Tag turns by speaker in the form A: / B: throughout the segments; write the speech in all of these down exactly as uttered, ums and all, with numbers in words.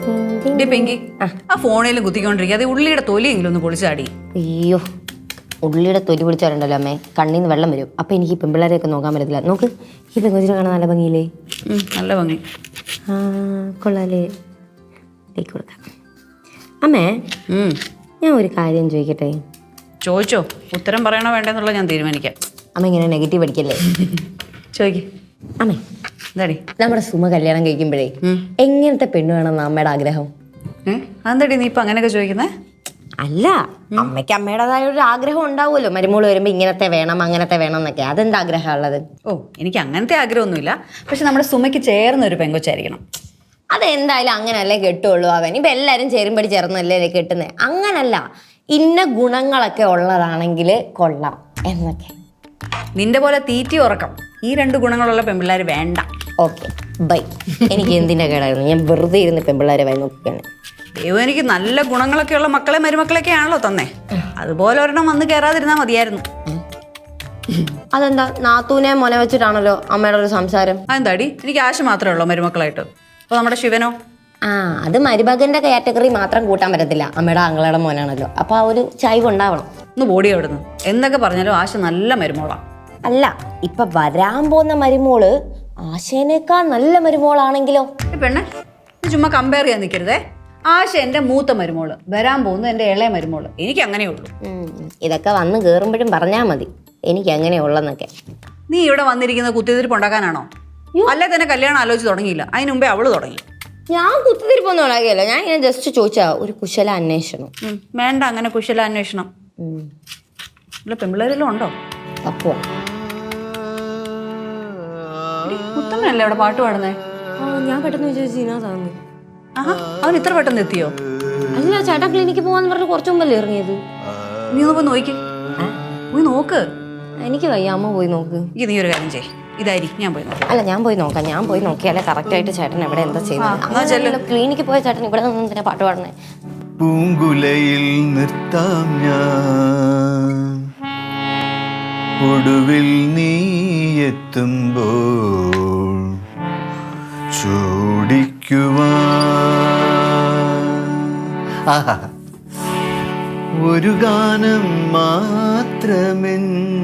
A: പെങ്കി ആ ഫോണിലും കുത്തിക്കൊണ്ടിരിക്കുക അത് ഉള്ളിയുടെ തൊലിയെങ്കിലും ഒന്ന് പൊളിച്ചാടി.
B: അയ്യോ ഉള്ളിയുടെ തൊലി പൊളിച്ചാറുണ്ടല്ലോ അമ്മേ, കണ്ണിന്ന് വെള്ളം വരും. അപ്പൊ എനിക്ക് ഈ പെമ്പിള്ളേരെയൊക്കെ നോക്കാൻ പറ്റത്തില്ല. നോക്ക് ഈ പെങ്കൊച്ചിനെ കാണാൻ നല്ല ഭംഗിയില്ലേ?
A: നല്ല ഭംഗി.
B: ആ കൊള്ളാലേ, കൊടുക്കാം. അമ്മേ ഞാൻ ഒരു കാര്യം ചോദിക്കട്ടെ?
A: ചോദിച്ചോ, ഉത്തരം പറയണോ വേണ്ടെന്നുള്ള ഞാൻ തീരുമാനിക്കാം.
B: അമ്മ ഇങ്ങനെ നെഗറ്റീവ് അടിക്കല്ലേ.
A: ചോദിക്കേ
B: അമ്മേ.
A: എന്താടി
B: നമ്മുടെ സുമ കല്യാണം കഴിക്കുമ്പോഴേ എങ്ങനത്തെ പെണ്ണ് വേണമെന്ന് അമ്മയുടെ ആഗ്രഹം?
A: അതെന്താടി നീ ഇപ്പൊ അങ്ങനെയൊക്കെ ചോദിക്കുന്നേ?
B: അല്ല, അമ്മയ്ക്ക് അമ്മയുടേതായ ഒരു ആഗ്രഹം ഉണ്ടാവുമല്ലോ, മരുമോള് വരുമ്പോ ഇങ്ങനത്തെ വേണം അങ്ങനത്തെ വേണം എന്നൊക്കെ. അതെന്താ ആഗ്രഹം ഉള്ളത്?
A: ഓ എനിക്ക് അങ്ങനത്തെ ആഗ്രഹമൊന്നുമില്ല, പക്ഷെ നമ്മുടെ സുമയ്ക്ക് ചേർന്ന ഒരു പെങ്കൊച്ചായിരിക്കണം.
B: അതെന്തായാലും അങ്ങനല്ലേ കെട്ടുള്ളൂ. അവൻ ഇപ്പൊ എല്ലാരും ചേരുമ്പടി ചേർന്നല്ലേ കെട്ടുന്നത്. അങ്ങനല്ല, ഇന്ന ഗുണങ്ങളൊക്കെ ഉള്ളതാണെങ്കിൽ കൊള്ളാം എന്നൊക്കെ.
A: നിന്റെ പോലെ തീറ്റി ഉറക്കം ഈ രണ്ട് ഗുണങ്ങളുള്ള പെൺപിള്ളേർ വേണ്ട.
B: Okay bye. എനിക്ക് എന്തിന്റെ കേടായിരുന്നു, ഞാൻ വെറുതെ ഇരുന്ന് പെൺപിള്ളേരെ വായി നോക്കിയാണ്.
A: ദൈവം എനിക്ക് നല്ല ഗുണങ്ങളൊക്കെ ഉള്ള മക്കളെ മരുമക്കളൊക്കെ ആണല്ലോ തന്നെ, അതുപോലെ ഒരെണ്ണം വന്ന് കയറാതിരുന്നാ മതിയായിരുന്നു.
B: അതെന്താ നാത്തൂനെ മൊന വെച്ചിട്ടാണല്ലോ അമ്മയുടെ ഒരു സംസാരം?
A: അതെന്താടി, എനിക്ക് ആശ മാത്രമേ ഉള്ളൂ മരുമക്കളായിട്ട്. അപ്പൊ നമ്മുടെ ശിവനോ?
B: ആ അത് മരുമകന്റെ കാറ്റഗറി മാത്രം കൂട്ടാൻ പറ്റത്തില്ല, അമ്മയുടെ ആങ്ങളുടെ മോനാണല്ലോ. അപ്പൊ ആ ഒരു ചായ്വ് ഉണ്ടാവണം.
A: ഒന്ന് ബോഡി അവിടുന്ന് എന്തൊക്കെ പറഞ്ഞാലും ആശ നല്ല മരുമോളാ.
B: അല്ല, ഇപ്പൊ വരാൻ പോകുന്ന മരുമോള് ആശേനേക്കാൾ നല്ല മരുമോളാണെങ്കിലോ?
A: പെണ്ണെ ചുമ്മാ കമ്പയർ ചെയ്യാൻ നിൽക്കരുതേ. ആശ എന്റെ മൂത്ത മരുമോള്, വരാൻ പോകുന്നത് എന്റെ ഇളയ മരുമോള്. എനിക്ക് അങ്ങനെ ഉള്ളൂ.
B: ഇതൊക്കെ വന്ന് കേറുമ്പോഴും പറഞ്ഞാൽ മതി എനിക്ക് അങ്ങനെയുള്ളന്നൊക്കെ.
A: നീ ഇവിടെ വന്നിരിക്കുന്ന കുത്തിത്തിരിപ്പ് ഉണ്ടാക്കാനാണോ? അല്ലെ തന്നെ കല്യാണം ആലോചിച്ച് തുടങ്ങിയില്ല, അതിന് മുമ്പേ അവള് തുടങ്ങി.
B: ഞാൻ കുത്തിത്തിരിപ്പൊന്നും ഉണ്ടാക്കിയല്ലോ, ഞാൻ ഇങ്ങനെ ജസ്റ്റ് ചോദിച്ചാ ഒരു കുശല അന്വേഷണം.
A: വേണ്ട അങ്ങനെ കുശല അന്വേഷണം. അല്ല പെമ്പിള്ളേരെല്ലാം ഉണ്ടോ?
B: അപ്പോ
A: മുത്തമ്മനല്ലേ അവിടെ പാട്ട് പാടുന്നേ?
B: ഞാൻ പെട്ടെന്ന് വിചാരിച്ചു.
A: ആഹാ, അവൻ ഇത്ര പെട്ടെന്ന് എത്തിയോ?
B: അല്ല, ചേട്ടാ ക്ലിനിക്ക് പോവാന്ന് പറഞ്ഞ് കുറച്ചു മുമ്പല്ലേ ഇറങ്ങിയത്.
A: നീ ഒന്ന് പോയി നോക്കി, പോയി നോക്ക്.
B: എനിക്ക് വയ്യ, അമ്മ പോയി നോക്ക്.
A: ഈ നീ ഒരു കാര്യം ചെയ്യ്, ഇതായിരിക്കും ഞാൻ പോയി നോക്കാം.
B: അല്ല ഞാൻ പോയി നോക്കാം, ഞാൻ പോയി നോക്കിയാലേ കറക്റ്റ് ആയിട്ട് ചേട്ടൻ എവിടെ എന്താ ചെയ്യുന്നത്. ക്ലിനിക്ക് പോയ ചേട്ടൻ ഇവിടെ നിന്ന് എന്തിനാ പാട്ട് പാടുന്നേ?
C: പൂങ്കുലയിൽ നിർത്താം ഞാൻ ഒടുവിൽ നീ എത്തുമ്പോൾ ചൂടിക്കുവാൻ ഒരു ഗാനം മാത്രമെൻ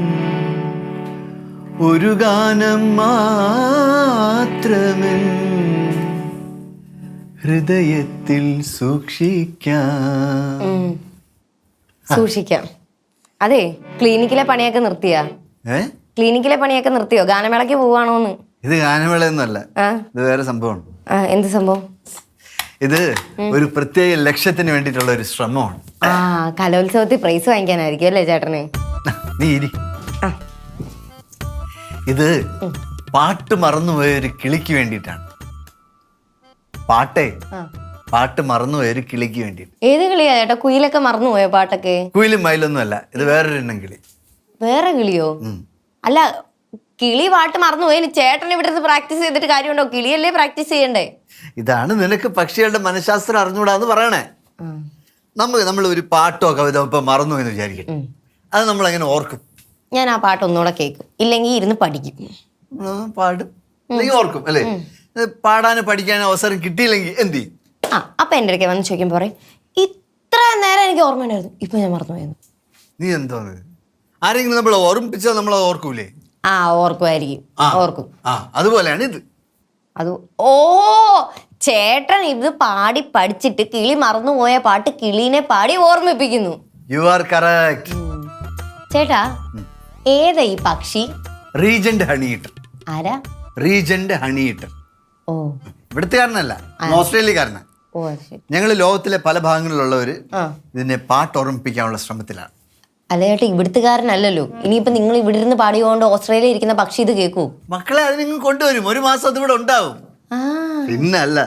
C: ഒരു ഗാനം മാത്രമെൻ ഹൃദയത്തിൽ സൂക്ഷിക്കാം.
B: സൂക്ഷിക്കാം. അതെ, ക്ലിനിക്കിലെ പണിയൊക്കെ നിർത്തിയാ? ക്ലിനിക്കിലെ പണിയൊക്കെ നിർത്തിയോ? ഗാനമേളക്ക് പോവാണോന്ന്?
C: ഇത് ഗാനമേളയൊന്നുമല്ല, ഇത് വേറെ സംഭവമാണ്.
B: എന്ത് സംഭവം?
C: ഇത് ഒരു പ്രത്യേക ലക്ഷ്യത്തിന് വേണ്ടിയിട്ടുള്ള ഒരു ശ്രമമാണ്.
B: ആ കലോത്സവത്തിൽ പ്രൈസ് വാങ്ങിക്കാനായിരിക്കും അല്ലേ ചേട്ടന്?
C: നീ ഇരി. ഇത് പാട്ട് മറന്നുപോയ ഒരു കിളിക്ക് വേണ്ടിയിട്ടാണ്. പാട്ടേ പാട്ട് മറന്നുപോയ ഒരു കിളിക്ക് വേണ്ടിയിട്ട്.
B: ഏത് കിളിയാ ചേട്ടാ? കുയിലൊക്കെ മറന്നുപോയോ പാട്ടൊക്കെ?
C: കുയിലും മയിലൊന്നും അല്ല, ഇത് വേറൊരു എണ്ണം കിളി.
B: വേറെ കിളിയോ? അല്ല കിളി പാട്ട് മറന്നുപോയി, ചേട്ടൻ ഇവിടെ പ്രാക്ടീസ് ചെയ്തിട്ട് കാര്യമുണ്ടോ? കിളിയല്ലേ പ്രാക്ടീസ് ചെയ്യണ്ടേ?
C: ഇതാണ് നിനക്ക് പക്ഷികളുടെ മനഃശാസ്ത്രം അറിഞ്ഞുകൂടാന്ന് പറയണേ. നമ്മൾ നമ്മൾ ഒരു പാട്ടോ കവിത ഇപ്പൊ മറന്നു എന്ന് വിചാരിക്കും, അത് നമ്മൾ എങ്ങനെ ഓർക്കും?
B: ഞാൻ ആ പാട്ട് ഒന്നുകൂടെ കേൾക്കും, ഇല്ലെങ്കിൽ ഇരുന്ന് പഠിക്കും.
C: പാടും അല്ലെങ്കിൽ ഓർക്കും അല്ലേ? പാടാനും പഠിക്കാനും അവസരം കിട്ടിയില്ലെങ്കിൽ എന്ത് ചെയ്യും?
B: ആ അപ്പൊ എൻ്റെ അടുക്കെ വന്ന് ചോദിക്കുമ്പോ പറയും ഇത്ര നേരം എനിക്ക് ഓർമ്മയുണ്ടായിരുന്നു, ഇപ്പൊ ഞാൻ മറന്നുപോയെന്ന്.
C: നീ എന്തോ ആരെങ്കിലും നമ്മൾ ഓർമ്മിപ്പിച്ചാൽ നമ്മൾ ഓർക്കൂലേ?
B: ആ ഓർക്കുമായിരിക്കും, ഓർക്കും.
C: ആ അതുപോലെയാണ് ഇത്.
B: അത് ഓ ചേട്ടൻ ഇത് പാടി പഠിച്ചിട്ട് കിളി മറന്നുപോയ പാട്ട് കിളീനെ പാടി ഓർമ്മിപ്പിക്കുന്നു.
C: You are correct.
B: ചേട്ടാ ഏതാ ഈ പക്ഷി?
C: Regent honey eater.
B: ആരാ?
C: Regent honey eater.
B: ഓ
C: ഇവിടുത്തുകാരനല്ല, ഓസ്ട്രേലിയക്കാരനാ.
B: ഓ
C: ഞങ്ങൾ ലോകത്തിലെ പല ഭാഗങ്ങളിലുള്ളവര് ഇതിനെ പാട്ട് ഓർമ്മിപ്പിക്കാനുള്ള ശ്രമത്തിലാണ്.
B: അല്ല ചേട്ടാ, ഇവിടുത്തുകാരനല്ലല്ലോ. ഇനിയിപ്പോ നിങ്ങൾ ഇവിടെ ഇരുന്ന് പാടിയോണ്ട് ഓസ്ട്രേലിയ ഇരിക്കുന്ന പക്ഷി ഇത് കേൾക്കൂ?
C: മക്കളെ അത് നിങ്ങൾ കൊണ്ടുവരും, ഒരു മാസം അത് ഇവിടെ ഉണ്ടാവും. പിന്നല്ല.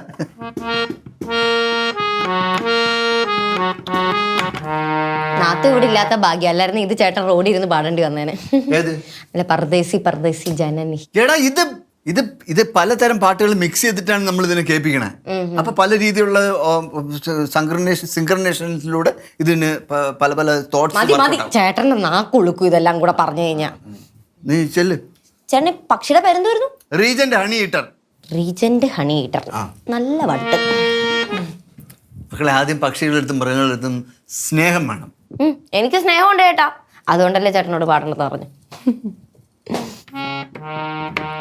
B: നാത്തു ഇവിടെ ഇല്ലാത്ത ഭാഗ്യം, അല്ലായിരുന്നു ഇത് ചേട്ടൻ റോഡിൽ ഇരുന്ന് പാടേണ്ടി വന്നേനെ. അല്ല പർദേശി പർദേശി ജനനി.
C: എടാ ഇത് ഇത് ഇത് പലതരം പാട്ടുകൾ മിക്സ് ചെയ്തിട്ടാണ് നമ്മൾ ഇതിനെ കേൾപ്പിക്കണേ. അപ്പൊ പല രീതിയിലുള്ള സിങ്ക്രണേഷൻ സിങ്ക്രണേഷനിലൂടെ ഇതിന് പല പല തോട്ട്സ്.
B: മതി മതി, ചേട്ടന്റെ നാക്കുളുക്കും ഇതെല്ലാം കൂടെ പറഞ്ഞു കഴിഞ്ഞാ.
C: നീ ചെല്ല്.
B: ചേട്ടൻ പക്ഷിയുടെ പേരെന്തായിരുന്നു?
C: Regent honey eater.
B: Regent honey eater, നല്ല വട്ട്.
C: മക്കളെ ആദ്യം പക്ഷികളെടുത്തും മൃഗങ്ങളെടുത്തും സ്നേഹം വേണം.
B: ഉം, എനിക്ക് സ്നേഹമുണ്ട് ചേട്ടാ, അതുകൊണ്ടല്ലേ ചേട്ടനോട് പാടണമെന്ന് പറഞ്ഞു.